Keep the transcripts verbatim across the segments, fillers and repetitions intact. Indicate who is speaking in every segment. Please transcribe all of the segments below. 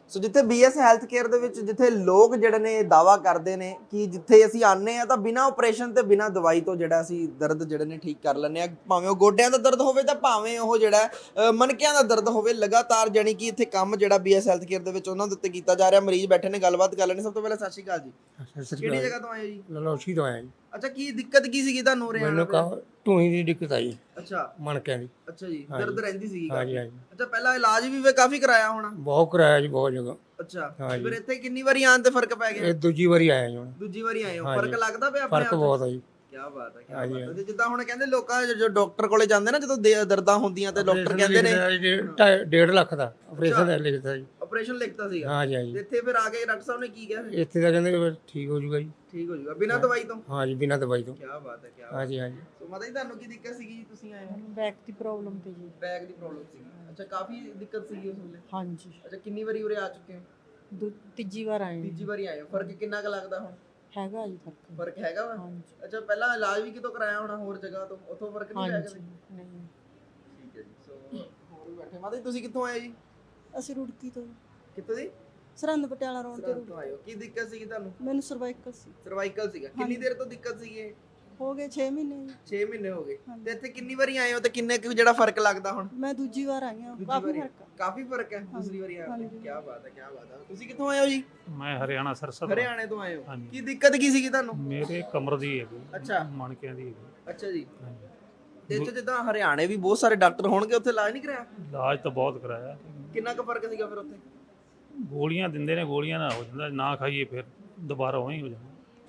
Speaker 1: ਸੋ ਜਿੱਥੇ BS health care ਦੇ ਵਿੱਚ ਜਿੱਥੇ ਲੋਕ ਜਿਹੜੇ ਨੇ ਦਾਵਾ ਕਰਦੇ ਨੇ ਕਿ ਜਿੱਥੇ ਅਸੀਂ ਆਨੇ ਆ ਤਾਂ ਬਿਨਾਂ ਆਪਰੇਸ਼ਨ ਤੇ ਬਿਨਾਂ ਦਵਾਈ ਤੋਂ ਜਿਹੜਾ ਅਸੀਂ ਦਰਦ ਜਿਹੜੇ ਨੇ ਠੀਕ ਕਰ ਲੈਂਦੇ ਆ, ਭਾਵੇਂ ਉਹ ਗੋਡਿਆਂ ਦਾ ਦਰਦ ਹੋਵੇ ਤਾਂ ਭਾਵੇਂ ਉਹ ਜਿਹੜਾ ਮਣਕਿਆਂ ਦਾ ਦਰਦ ਹੋਵੇ। ਲਗਾਤਾਰ ਜਾਨੀ ਕਿ ਇੱਥੇ ਕੰਮ ਜਿਹੜਾ ਬੀਐਸ ਹੈਲਥ ਕੇਅਰ ਦੇ ਵਿੱਚ ਉਹਨਾਂ ਦੇ ਉੱਤੇ ਕੀਤਾ ਜਾ ਰਿਹਾ। ਮਰੀਜ਼ ਬੈਠੇ ਨੇ, ਗੱਲਬਾਤ ਕਰ ਲੈਣੇ। ਸਭ ਤੋਂ ਪਹਿਲਾਂ ਸਤਿ ਸ਼੍ਰੀ ਅਕਾਲ ਜੀ। ਕਿਹੜੀ ਜਗ੍ਹਾ ਤੋਂ ਆਏ ਹੋ ਜੀ?
Speaker 2: ਲਲੋਸ਼ੀ ਤੋਂ ਆਇਆ ਜੀ।
Speaker 1: ਅੱਛਾ, ਕੀ ਦਿੱਕਤ ਕੀ ਸੀਗੀ ਤੁਹਾਨੂੰ ਉਰੇ ਆਉਣ
Speaker 2: ਮੈਨੂੰ
Speaker 1: ਤੇ?
Speaker 2: ਕਹਾ ਢੂਹੀ ਦੀ ਦਿੱਕਤ ਆਈ,
Speaker 1: ਅੱਛਾ
Speaker 2: ਮਣਕਿਆਂ ਦੀ।
Speaker 1: ਅੱਛਾ ਜੀ, ਦਰਦ ਰਹਿੰਦੀ ਸੀਗੀ ਕਾਫੀ?
Speaker 2: ਹਾਂਜੀ ਹਾਂਜੀ,
Speaker 1: ਅੱਛਾ, ਪਹਿਲਾਂ ਇਲਾਜ ਵੀ ਵੇ ਕਾਫੀ ਕਰਾਇਆ ਹੋਣਾ?
Speaker 2: ਬਹੁਤ ਕਰਾਇਆ ਜੀ, ਬਹੁਤ ਜਗ੍ਹਾ।
Speaker 1: ਅੱਛਾ,
Speaker 2: ਹਾਂਜੀ।
Speaker 1: ਫਿਰ ਇੱਥੇ ਕਿੰਨੀ ਵਾਰੀ ਆਉਣ ਤੇ ਫਰਕ ਪੈ ਗਿਆ?
Speaker 2: ਇਹ ਦੂਜੀ ਵਾਰੀ ਆਇਆ ਜੀ ਹੁਣ।
Speaker 1: ਦੂਜੀ ਵਾਰੀ ਆਏ ਹੋ,
Speaker 2: ਹਾਂਜੀ।
Speaker 1: ਫਰਕ ਲੱਗਦਾ ਪਿਆ ਆਪਣੇ ਆਪ
Speaker 2: ਫਰਕ
Speaker 1: 'ਚ?
Speaker 2: ਬਹੁਤ ਆ ਜੀ।
Speaker 1: ਕੀ ਬਾਤ ਹੈ, ਕੀ
Speaker 2: ਹਾਂਜੀ,
Speaker 1: ਬਾਤ ਹੈ।
Speaker 2: ਹਾਂਜੀ।
Speaker 1: ਤੇ ਜਿੱਦਾਂ ਹੁਣ ਕਹਿੰਦੇ ਲੋਕਾਂ ਜੋ ਡਾਕਟਰ ਕੋਲੇ ਜਾਂਦੇ ਨਾ ਜਦੋਂ ਦੇ- ਦਰਦਾਂ ਹੁੰਦੀਆਂ ਤੇ ਡਾਕਟਰ ਕਹਿੰਦੇ ਨੇ
Speaker 2: ਨੇ ਢਾਈ- ਡੇਢ ਲੱਖ ਦਾ ਆਪਰੇਸ਼ਨ ਲਿਖਦਾ ਜੀ।
Speaker 1: ਆਪਰੇਸ਼ਨ ਲਿਖਤਾ ਸੀਗਾ?
Speaker 2: ਹਾਂਜੀ
Speaker 1: ਤੇ
Speaker 2: ਹਾਂਜੀ,
Speaker 1: ਇੱਥੇ ਫਿਰ ਆ ਕੇ ਡਾਕਟਰ ਸਾਹਿਬ ਨੇ ਕੀ ਕਿਹਾ?
Speaker 2: ਇੱਥੇ ਤਾਂ ਕਹਿੰਦੇ ਵੀ ਠੀਕ ਹੋ ਜੂਗਾ ਜੀ।
Speaker 1: ਠੀਕ ਹੋ ਜਾਊਗਾ ਬਿਨਾਂ ਦਵਾਈ ਤੋਂ?
Speaker 2: ਹਾਂਜੀ, ਬਿਨਾਂ ਦਵਾਈ ਤੋਂ।
Speaker 1: ਕੀ ਬਾਤ ਹੈ, ਕੀ ਬਾਤ ਹੈ।
Speaker 2: ਹਾਂਜੀ ਹਾਂਜੀ,
Speaker 1: ਸੋ ਮਾਤਾ ਜੀ ਤੁਹਾਨੂੰ ਕੀ ਦਿੱਕਤ ਸੀਗੀ ਜੀ ਤੁਸੀਂ ਆਏ ਹੋ?
Speaker 3: ਬੈਕ ਦੀ ਪ੍ਰੋਬਲਮ ਤੇ ਜੀ।
Speaker 1: ਬੈਕ ਦੀ ਪ੍ਰੋਬਲਮ ਸੀਗੀ? ਅੱਛਾ, ਕਾਫੀ ਦਿੱਕਤ ਸੀਗੀ ਉਸ ਵੇਲੇ?
Speaker 3: ਹਾਂਜੀ,
Speaker 1: ਅੱਛਾ, ਕਿੰਨੀ ਵਾਰੀ ਉਰੇ ਆ ਚੁੱਕੇ ਹੋ?
Speaker 3: ਦੂ- ਤੀਜੀ ਵਾਰ ਆਏ ਹਾਂ।
Speaker 1: ਤੀਜੀ ਵਾਰੀ ਆਏ ਹੋ। ਫਰਕ ਕਿੰਨਾ ਕੁ ਲੱਗਦਾ ਹੁਣ?
Speaker 3: ਹੈਗਾ ਜੀ ਫਰਕ।
Speaker 1: ਫਰਕ ਹੈਗਾ ਵਾ?
Speaker 3: ਹਾਂਜੀ
Speaker 1: ਅੱਛਾ, ਪਹਿਲਾਂ ਇਲਾਜ ਵੀ ਕਿਤੋਂ ਕਰਾਇਆ ਹੋਣਾ ਹੋਰ ਜਗ੍ਹਾ ਤੋਂ, ਉੱਥੋਂ ਫਰਕ ਨਹੀਂ ਪਿਆ
Speaker 3: ਹਾਂਜੀ
Speaker 1: ਕਦੇ?
Speaker 3: ਨਹੀਂ,
Speaker 1: ਠੀਕ ਹੈ ਜੀ। ਸੋ ਹੋਰ ਵੀ ਬੈਠੇ। ਮਾਤਾ ਜੀ ਤੁਸੀਂ ਕਿੱਥੋਂ ਆਏ ਜੀ?
Speaker 3: ਅਸੀਂ ਰੁੜਕੀ ਤੋਂ,
Speaker 1: ਕਿੱਥੋਂ ਦੀ?
Speaker 3: ਸਰਹੰਦ ਪਟਿਆਲਾ ਰੋਡ ਤੇ
Speaker 1: ਸਰਹੰਦ
Speaker 3: ਰੁੜਕੀ।
Speaker 1: ਤੋਂ ਆਏ ਹੋ। ਕੀ ਦਿੱਕਤ ਸੀਗੀ ਤੁਹਾਨੂੰ?
Speaker 3: ਮੈਨੂੰ ਸਰਵਾਈਕਲ ਸੀ।
Speaker 1: ਸਰਵਾਈਕਲ ਸੀਗਾ? ਕਿੰਨੀ ਦੇਰ ਤੋਂ ਦਿੱਕਤ ਸੀਗੀ ਇਹ?
Speaker 3: ਹੋ ਗਏ ਛੇ ਮਹੀਨੇ ਜੀ।
Speaker 1: ਛੇ ਮਹੀਨੇ ਹੋ ਗਏ।
Speaker 3: ਹਾਂਜੀ।
Speaker 1: ਤੇ ਇੱਥੇ ਕਿੰਨੀ ਵਾਰੀ ਆਏ ਹੋ ਤੇ ਕਿੰਨੇ ਕੁ ਜਿਹੜਾ ਫਰਕ ਲੱਗਦਾ ਹੁਣ?
Speaker 3: ਮੈਂ ਦੂਜੀ ਵਾਰ ਆਈ ਹਾਂ,
Speaker 1: ਦੂਜੀ
Speaker 3: ਕਾਫੀ
Speaker 1: ਵਾਰੀ?
Speaker 3: ਫਰਕ ਆ।
Speaker 1: ਕਾਫੀ ਫਰਕ ਹੈ ਦੂਸਰੀ ਵਾਰੀ ਆਏ ਹੋ?
Speaker 3: ਹਾਂਜੀ।
Speaker 1: ਕੀ ਬਾਤ ਹੈ, ਕੀ ਬਾਤ ਹੈ। ਤੁਸੀਂ ਕਿੱਥੋਂ ਆਏ ਹੋ ਜੀ?
Speaker 4: ਮੈਂ ਹਰਿਆਣਾ ਸਰਸਾ
Speaker 1: ਹਰਿਆਣੇ ਤੋਂ ਆਏ ਹੋ।
Speaker 4: ਹਾਂਜੀ।
Speaker 1: ਕੀ ਦਿੱਕਤ ਕੀ ਸੀਗੀ ਤੁਹਾਨੂੰ?
Speaker 4: ਮੇਰੇ ਕਮਰ ਦੀ ਹੈਗੀ,
Speaker 1: ਅੱਛਾ
Speaker 4: ਮਣਕਿਆਂ ਦੀ ਹੈਗੀ।
Speaker 1: ਅੱਛਾ ਜੀ।
Speaker 4: ਹਾਂਜੀ।
Speaker 1: ਤੇ ਇੱਥੇ ਜਿੱਦਾਂ ਹਰਿਆਣੇ ਵੀ ਬਹੁਤ ਸਾਰੇ ਡਾਕਟਰ ਹੋਣਗੇ, ਉੱਥੇ ਇਲਾਜ ਨਹੀਂ ਕਰਾਇਆ?
Speaker 4: ਇਲਾਜ ਤਾਂ ਬਹੁਤ ਕਰਾਇਆ,
Speaker 1: ਕਿੰਨਾ ਕੁ ਫਰਕ ਸੀਗਾ ਫਿਰ ਉੱਥੇ?
Speaker 4: ਗੋਲੀਆਂ ਦਿੰਦੇ ਨੇ, ਗੋਲੀਆਂ ਨਾਲ ਹੋ ਜਾਂਦਾ, ਨਾ ਖਾਈਏ ਫਿਰ ਦੁਬਾਰਾ ਉਵੇਂ ਹੀ ਹੋ ਜਾਂਦਾ।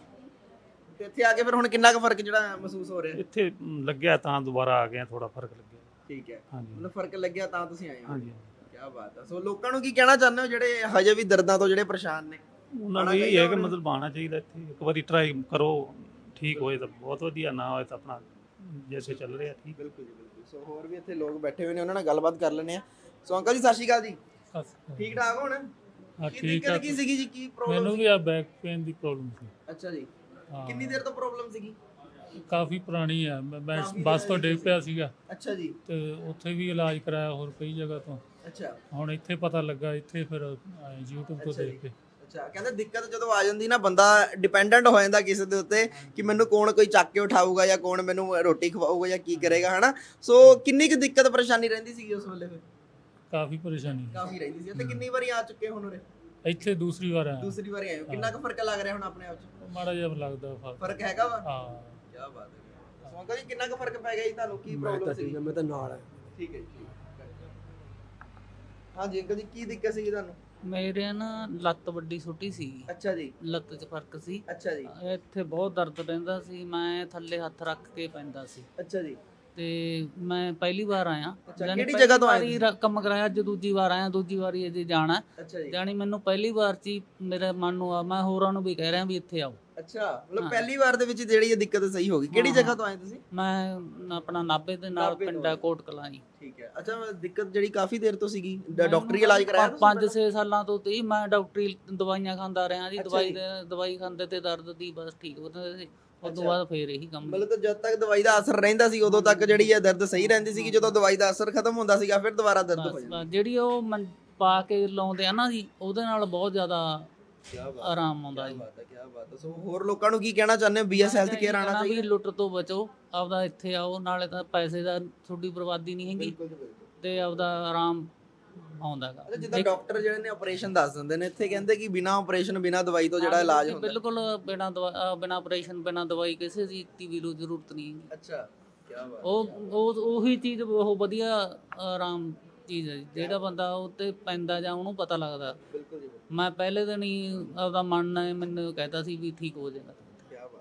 Speaker 1: ਤੇ ਇੱਥੇ ਆ ਕੇ ਫਿਰ ਹੁਣ ਕਿੰਨਾ ਕੁ ਫਰਕ ਜਿਹੜਾ ਮਹਿਸੂਸ ਹੋ ਰਿਹਾ?
Speaker 4: ਇੱਥੇ ਮ, ਲੱਗਿਆ ਤਾਂ ਦੁਬਾਰਾ ਆ ਗਏ, ਥੋੜਾ ਫਰਕ ਲੱਗਿਆ।
Speaker 1: ਠੀਕ ਹੈ,
Speaker 4: ਹਾਂਜੀ
Speaker 1: ਮਤਲਬ ਫਰਕ ਲੱਗਿਆ ਤਾਂ ਤੁਸੀਂ ਆਏ ਹੋ।
Speaker 4: ਹਾਂਜੀ,
Speaker 1: ਕੀ ਬਾਤ ਹੈ। ਸੋ ਲੋਕਾਂ ਨੂੰ ਕੀ ਕਹਿਣਾ ਚਾਹੁੰਦੇ ਹੋ ਜਿਹੜੇ ਹਜੇ ਵੀ ਦਰਦਾਂ ਤੋਂ ਜਿਹੜੇ ਪਰੇਸ਼ਾਨ ਨੇ?
Speaker 4: ਉਹਨਾਂ ਨੂੰ ਇਹ ਹੈ ਕਿ ਮਤਲਬ ਆਉਣਾ ਚਾਹੀਦਾ ਇੱਥੇ, ਇੱਕ ਵਾਰੀ ਟਰਾਈ ਕਰੋ, ਠੀਕ ਹੋਏ ਤਾਂ ਬਹੁਤ ਵਧੀਆ, ਨਾ ਹੋਏ ਤਾਂ ਆਪਣਾ ਜੈਸੇ ਚੱਲ ਰਿਹਾ ਠੀਕ।
Speaker 1: ਬਿਲਕੁਲ ਜੀ, ਬਿਲਕੁਲ। ਸੋ ਹੋਰ ਵੀ ਇੱਥੇ ਲੋਕ ਬੈਠੇ ਹੋਏ ਨੇ, ਉਹਨਾਂ ਨਾਲ ਗੱਲਬਾਤ ਕਰ ਲੈਂਦੇ ਆ। ਸੋ ਅੰਕਲ ਜੀ ਸਤਿ ਸ਼੍ਰੀ ਅਕਾਲ ਜੀ। ਠੀਕ ਠਾਕ ਹੋਣ?
Speaker 5: ਹਾਂ
Speaker 1: ਕੀ
Speaker 5: ਠੀਕ
Speaker 1: ਦਿੱਕਤ
Speaker 5: ਆ।
Speaker 1: ਕੀ ਸੀਗੀ ਜੀ? ਕੀ ਪ੍ਰੋਬਲਮ
Speaker 5: ਮੈਨੂੰ
Speaker 1: ਸੀ?
Speaker 5: ਵੀ ਆ ਬੈਕ ਪੇਨ ਦੀ ਪ੍ਰੋਬਲਮ ਸੀ।
Speaker 1: ਅੱਛਾ ਜੀ,
Speaker 5: ਹਾਂ,
Speaker 1: ਕਿੰਨੀ ਦੇਰ ਤੋਂ ਪ੍ਰੋਬਲਮ ਸੀਗੀ?
Speaker 5: ਕਾਫੀ ਪੁਰਾਣੀ ਆ। ਮੈਂ ਮੈਂ
Speaker 1: ਕਾਫੀ
Speaker 5: ਬੱਸ ਤੋਂ
Speaker 1: ਪੁਰਾਣੀ
Speaker 5: ਡਿੱਗ ਪਿਆ ਸੀਗਾ
Speaker 1: ਅੱਛਾ ਜੀ,
Speaker 5: ਤੇ ਉੱਥੇ ਵੀ ਇਲਾਜ ਕਰਾਇਆ ਹੋਰ ਕਈ ਜਗ੍ਹਾ ਤੋਂ।
Speaker 1: ਅੱਛਾ
Speaker 5: ਹੁਣ ਇੱਥੇ ਪਤਾ ਲੱਗਾ, ਇੱਥੇ ਫਿਰ ਆਏ YouTube ਤੋਂ
Speaker 1: ਅੱਛਾ
Speaker 5: ਦੇਖ
Speaker 1: ਜੀ।
Speaker 5: ਕੇ।
Speaker 1: ਅੱਛਾ, ਕਹਿੰਦੇ ਦਿੱਕਤ ਜਦੋਂ ਆ ਜਾਂਦੀ ਨਾ, ਬੰਦਾ ਡਿਪੈਂਡੈਂਟ ਹੋ ਜਾਂਦਾ ਕਿਸੇ ਦੇ ਉੱਤੇ ਕਿ ਮੈਨੂੰ ਕੌਣ ਕੋਈ ਚੱਕ ਕੇ ਉਠਾਊਗਾ ਜਾਂ ਕੌਣ ਮੈਨੂੰ ਰੋਟੀ ਖਵਾਊਗਾ ਜਾਂ ਕੀ ਕਰੇਗਾ, ਹਨਾ। ਸੋ ਕਿੰਨੀ ਕੁ ਦਿੱਕਤ ਪਰੇਸ਼ਾਨੀ ਰਹਿੰਦੀ ਸੀਗੀ ਉਸ ਵੇਲੇ? ਫਿਰ
Speaker 5: ਕਾਫੀ ਪਰੇਸ਼ਾਨੀ ਸੀ।
Speaker 1: ਕਾਫੀ ਰਹਿੰਦੀ ਸੀ। ਤੇ ਕਿੰਨੀ ਵਾਰੀ ਆ ਚੁੱਕੇ ਹੁਣ ਉਰੇ?
Speaker 5: ਇੱਥੇ ਦੂਸਰੀ ਵਾਰ ਆਇਆ।
Speaker 1: ਦੂਸਰੀ ਵਾਰੀ ਆਏ ਹੋ। ਕਿੰਨਾ ਕੁ ਫਰਕ ਲੱਗ ਰਿਹਾ ਹੁਣ ਆਪਣੇ ਆਪ 'ਚ?
Speaker 5: ਮਾੜਾ ਜਿਹਾ ਲੱਗਦਾ ਫਰਕ।
Speaker 1: ਫਰਕ ਹੈਗਾ ਵਾ?
Speaker 5: ਹਾਂ,
Speaker 1: ਕੀ ਬਾਤ ਹੈ। ਸੋ ਅੰਕਲ ਜੀ ਕਿੰਨਾ ਕੁ ਫਰਕ ਪੈ ਗਿਆ ਜੀ ਤੁਹਾਨੂੰ? ਕੀ ਪ੍ਰੋਬਲਮ ਸੀ?
Speaker 2: ਮੈਂ ਤਾਂ ਨਾਲ ਆ।
Speaker 1: ਠੀਕ ਹੈ ਜੀ, ਠੀਕ ਹੈ। ਹਾਂਜੀ ਅੰਕਲ ਜੀ, ਕੀ ਦਿੱਕਤ ਸੀ ਤੁਹਾਨੂੰ?
Speaker 6: ਮੇਰੇ ਨਾ ਲੱਤ ਵੱਡੀ ਛੋਟੀ ਸੀ,
Speaker 1: ਅੱਛਾ ਜੀ,
Speaker 6: ਲੱਤ 'ਚ ਫਰਕ ਸੀ।
Speaker 1: ਅੱਛਾ ਜੀ,
Speaker 6: ਇੱਥੇ ਬਹੁਤ ਦਰਦ ਰਹਿੰਦਾ ਸੀ, ਮੈਂ ਥੱਲੇ ਹੱਥ ਰੱਖ ਕੇ ਪੈਂਦਾ ਸੀ।
Speaker 1: ਅੱਛਾ ਜੀ।
Speaker 6: ਤੇ ਮੈਂ ਪਹਿਲੀ ਵਾਰ ਆਇਆ।
Speaker 1: ਅੱਛਾ,
Speaker 6: ਜਾਣੀ
Speaker 1: ਕਿਹੜੀ
Speaker 6: ਪਹਿਲੀ
Speaker 1: ਜਗ੍ਹਾ ਤੋਂ ਆਏ
Speaker 6: ਵਾਰੀ
Speaker 1: ਤੁਸੀਂ?
Speaker 6: ਰ- ਕੰਮ ਕਰਾਇਆ, ਅੱਜ ਦੂਜੀ ਵਾਰ ਆਇਆ, ਦੂਜੀ ਵਾਰੀ ਅਜੇ ਜਾਣਾ।
Speaker 1: ਅੱਛਾ ਜੀ,
Speaker 6: ਜਾਣੀ ਮੈਨੂੰ ਪਹਿਲੀ ਵਾਰ 'ਚ ਹੀ ਮੇਰੇ ਮਨ ਨੂੰ ਆ, ਮੈਂ ਹੋਰਾਂ ਨੂੰ ਵੀ ਕਹਿ ਰਿਹਾ ਵੀ ਇੱਥੇ ਆਓ।
Speaker 1: ਅੱਛਾ, ਮਤਲਬ
Speaker 6: ਹਾਂ।
Speaker 1: ਪਹਿਲੀ ਵਾਰ ਦੇ ਵਿੱਚ ਜਿਹੜੀ ਇਹ ਦਿੱਕਤ ਸਹੀ ਹੋ ਗਈ। ਕਿਹੜੀ
Speaker 6: ਹਾਂ,
Speaker 1: ਜਗ੍ਹਾ
Speaker 6: ਹਾਂ।
Speaker 1: ਤੋਂ ਆਏ ਤੁਸੀਂ?
Speaker 6: ਮੈਂ ਆਪਣਾ ਨਾਭੇ ਦੇ ਨਾਲ
Speaker 1: ਨਾਭੇ ਤੋਂ
Speaker 6: ਪਿੰਡਾ
Speaker 1: ਆਏ।
Speaker 6: ਕੋਟ ਕਲਾਂ ਜੀ।
Speaker 1: ਠੀਕ ਹੈ। ਅੱਛਾ, ਦਿੱਕਤ ਜਿਹੜੀ ਕਾਫੀ ਦੇਰ ਤੋਂ ਸੀਗੀ, ਡ- ਡਾਕਟਰੀ ਇਲਾਜ ਕਰਾਇਆ ਤੁਸੀਂ
Speaker 6: ਪੰਜ
Speaker 1: ਪਹਿਲਾਂ?
Speaker 6: ਛੇ ਸਾਲਾਂ ਤੋਂ ਤੇ ਮੈਂ ਡਾਕਟਰੀ ਦਵਾਈਆਂ ਖਾਂਦਾ ਰਿਹਾ ਜੀ।
Speaker 1: ਅੱਛਾ
Speaker 6: ਦਵਾਈ
Speaker 1: ਜੀ।
Speaker 6: ਦੇ ਦਵਾਈ ਖਾਂਦੇ ਤੇ ਦਰਦ ਦੀ ਬਸ ਠੀਕ ਹੋ ਜਾਂਦੇ ਸੀ। ਉਸ ਤੋਂ
Speaker 1: ਅੱਛਾ।
Speaker 6: ਬਾਅਦ ਫੇਰ ਇਹੀ ਕੰਮ।
Speaker 1: ਮਤਲਬ ਤਾਂ ਜਦ ਤੱਕ ਦਵਾਈ ਦਾ ਅਸਰ ਰਹਿੰਦਾ ਸੀ ਉਦੋਂ ਤੱਕ ਜਿਹੜੀ ਇਹ ਦਰਦ ਸਹੀ ਰਹਿੰਦੀ ਸੀਗੀ। ਜਦੋਂ ਦਵਾਈ ਦਾ ਅਸਰ ਖਤਮ ਹੁੰਦਾ ਸੀਗਾ ਫਿਰ ਦੁਬਾਰਾ ਦਰਦ ਹੋ
Speaker 6: ਬਸ
Speaker 1: ਜਾਂਦਾ।
Speaker 6: ਬਸ ਜਿਹੜੀ ਉਹ ਮੰ- ਪਾ ਕੇ ਲਾਉਂਦੇ ਆ ਨਾ ਜੀ, ਉਹਦੇ ਨਾਲ ਬਹੁਤ ਜ਼ਿਆਦਾ
Speaker 1: ਕੀ ਬਾਤ
Speaker 6: ਆਰਾਮ ਆਉਂਦਾ
Speaker 1: ਕੀ
Speaker 6: ਜੀ।
Speaker 1: ਬਾਤ ਹੈ, ਕੀ ਬਾਤ ਹੈ। ਸੋ ਹੋਰ ਲੋਕਾਂ ਨੂੰ ਕੀ ਕਹਿਣਾ ਚਾਹੁੰਦੇ ਹੋ? ਬੀਐਸ ਹੈਲਥ ਕੇਅਰ ਆਉਣਾ
Speaker 6: ਕਹਿਣਾ ਵੀ
Speaker 1: ਚਾਹੀਦਾ?
Speaker 6: ਲੁੱਟ ਤੋਂ ਬਚੋ, ਆਪਦਾ ਇੱਥੇ ਆਓ, ਨਾਲੇ ਤਾਂ ਪੈਸੇ ਦਾ ਤੁਹਾਡੀ ਬਰਬਾਦੀ ਨਹੀਂ ਹੈਗੀ
Speaker 1: ਬਿਲਕੁਲ ਜੀ, ਬਿਲਕੁਲ।
Speaker 6: ਤੇ ਆਪਦਾ ਆਰਾਮ ਆਉਂਦਾਗਾ।
Speaker 1: ਅੱਛਾ, ਜਿੱਦਾਂ ਡਾਕਟਰ ਜਿਹੜੇ ਨੇ ਆਪਰੇਸ਼ਨ ਦੱਸ ਦਿੰਦੇ ਨੇ, ਇੱਥੇ ਕਹਿੰਦੇ ਕਿ ਬਿਨਾਂ ਆਪਰੇਸ਼ਨ ਬਿਨਾਂ ਦਵਾਈ ਤੋਂ ਜਿਹੜਾ ਇਲਾਜ ਹੁੰਦਾ।
Speaker 6: ਬਿਲਕੁਲ ਬਿਨਾਂ ਦਵਾ ਬਿਨਾਂ ਆਪਰੇਸ਼ਨ ਬਿਨਾਂ ਦਵਾਈ ਕਿਸੇ ਚੀਜ਼ ਦੀ ਵੀ ਜ਼ਰੂਰਤ ਨਹੀਂ ਹੈਗੀ।
Speaker 1: ਅੱਛਾ, ਕੀ ਬਾਤ।
Speaker 6: ਉਹ ਉਹ ਉਹੀ ਚੀਜ਼ ਉਹ ਵਧੀਆ ਆਰਾਮ ਚੀਜ਼ ਹੈ ਜੀ। ਜਿਹੜਾ ਬੰਦਾ ਉਹ ਤੇ ਪੈਂਦਾ ਜਾਂ ਉਹਨੂੰ ਪਤਾ ਲੱਗਦਾ।
Speaker 1: ਬਿਲਕੁਲ ਜੀ, ਬਿਲਕੁਲ।
Speaker 6: ਮੈਂ ਪਹਿਲੇ ਦਿਨ ਹੀ ਆਪਦਾ ਮਨ ਨੇ ਮੈਨੂੰ ਕਹਿਤਾ ਸੀ ਵੀ ਠੀਕ ਹੋ ਜਾਏਗਾ।
Speaker 1: ਕੀ ਬਾਤ।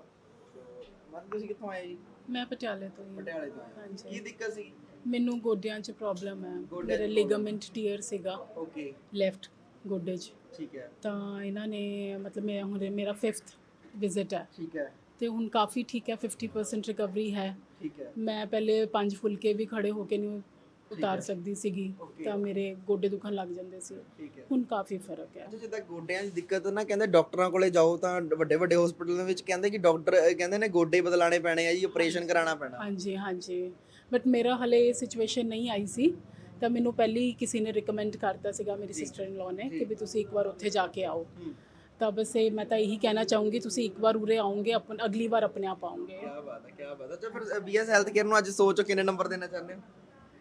Speaker 1: ਸੋ ਮਨ ਤੁਸੀਂ ਕਿੱਥੋਂ ਆਏ ਜੀ?
Speaker 7: ਮੈਂ ਪਟਿਆਲੇ ਤੋਂ ਹੀ ਹਾਂ।
Speaker 1: ਪਟਿਆਲੇ ਤੋਂ ਆਏ।
Speaker 7: ਹਾਂਜੀ।
Speaker 1: ਕੀ ਦਿੱਕਤ ਸੀ?
Speaker 7: ਮੈਨੂੰ ਗੋਡਿਆਂ 'ਚ ਪ੍ਰੋਬਲਮ ਹੈ।
Speaker 1: ਗੋਡਿਆਂ 'ਚ
Speaker 7: ਮੇਰੇ ਲਿਗਾਮੈਂਟ ਟੀਅਰ ਸੀਗਾ
Speaker 1: ਓਕੇ,
Speaker 7: ਲੈਫਟ ਗੋਡੇ 'ਚ।
Speaker 1: ਠੀਕ ਹੈ,
Speaker 7: ਤਾਂ ਇਹਨਾਂ ਨੇ ਮਤਲਬ ਮੈਂ ਹੁਣ ਮੇਰਾ ਫਿਫਥ ਵਿਜ਼ਿਟ ਹੈ
Speaker 1: ਠੀਕ ਹੈ,
Speaker 7: ਤੇ ਹੁਣ ਕਾਫੀ ਠੀਕ ਹੈ, ਫਿਫਟੀ ਪਰਸੈਂਟ ਰਿਕਵਰੀ ਹੈ।
Speaker 1: ਠੀਕ ਹੈ।
Speaker 7: ਮੈਂ ਪਹਿਲੇ ਪੰਜ ਫੁਲਕੇ ਵੀ ਖੜੇ ਹੋ ਕੇ ਨਹੀਂ ਉਤਾਰ
Speaker 1: ਹੈ।
Speaker 7: ਸਕਦੀ ਸੀਗੀ,
Speaker 1: Okay.
Speaker 7: ਤਾਂ ਮੇਰੇ ਗੋਡੇ ਦੁਖਣ ਲੱਗ ਜਾਂਦੇ ਸੀ।
Speaker 1: ਠੀਕ ਹੈ।
Speaker 7: ਹੁਣ ਕਾਫੀ ਫਰਕ ਹੈ।
Speaker 1: ਅੱਛਾ, ਜਿੱਦਾਂ ਗੋਡਿਆਂ ਦੀ ਦਿੱਕਤ ਨਾ, ਕਹਿੰਦੇ ਡਾਕਟਰਾਂ ਕੋਲੇ ਜਾਓ ਤਾਂ ਵੱਡੇ ਵੱਡੇ ਹਸਪੀਟਲਾਂ ਵਿੱਚ ਕਹਿੰਦੇ ਕਿ ਡਾਕਟਰ ਕਹਿੰਦੇ ਨੇ ਗੋਡੇ ਬਦਲਾਣੇ ਪੈਣੇ ਆ ਜੀ, ਆਪਰੇਸ਼ਨ ਕਰਾਉਣਾ ਪੈਣਾ।
Speaker 7: ਹਾਂਜੀ ਹਾਂਜੀ, ਬਟ ਮੇਰਾ ਹਲੇ ਇਹ ਸਿਚੁਏਸ਼ਨ ਨਹੀਂ ਆਈ ਸੀ ਤਾਂ ਮੈਨੂੰ ਪਹਿਲੀ ਕਿਸੇ ਨੇ ਰਿਕਮੈਂਡ ਕਰਤਾ ਸੀਗਾ, ਮੇਰੀ ਸਿਸਟਰ ਇਨ ਲਾਅ ਨੇ, ਕਿ ਵੀ ਤੁਸੀਂ ਇੱਕ ਵਾਰ ਉੱਥੇ ਜਾ ਕੇ ਆਓ। ਤਾਂ ਬਸ ਇਹ ਮੈਂ ਤਾਂ ਇਹੀ ਕਹਿਣਾ ਚਾਹੂੰਗੀ, ਤੁਸੀਂ ਇੱਕ ਵਾਰ ਉਰੇ ਆਓਗੇ, ਆਪਣ ਅਗਲੀ ਵਾਰ ਆਪਣੇ ਆਪ ਆਓਗੇ।
Speaker 1: ਕੀ ਬਾਤ ਹੈ, ਕੀ ਬਾਤ ਹੈ। ਅੱਛਾ ਫਿਰ ਬੀਐਸ ਹੈਲਥ ਕੇਅਰ ਨੂੰ ਅੱਜ ਸੋਚੋ ਕਿੰਨੇ ਨੰਬਰ ਦੇਣਾ ਚਾਹੁੰਦੇ ਹੋ?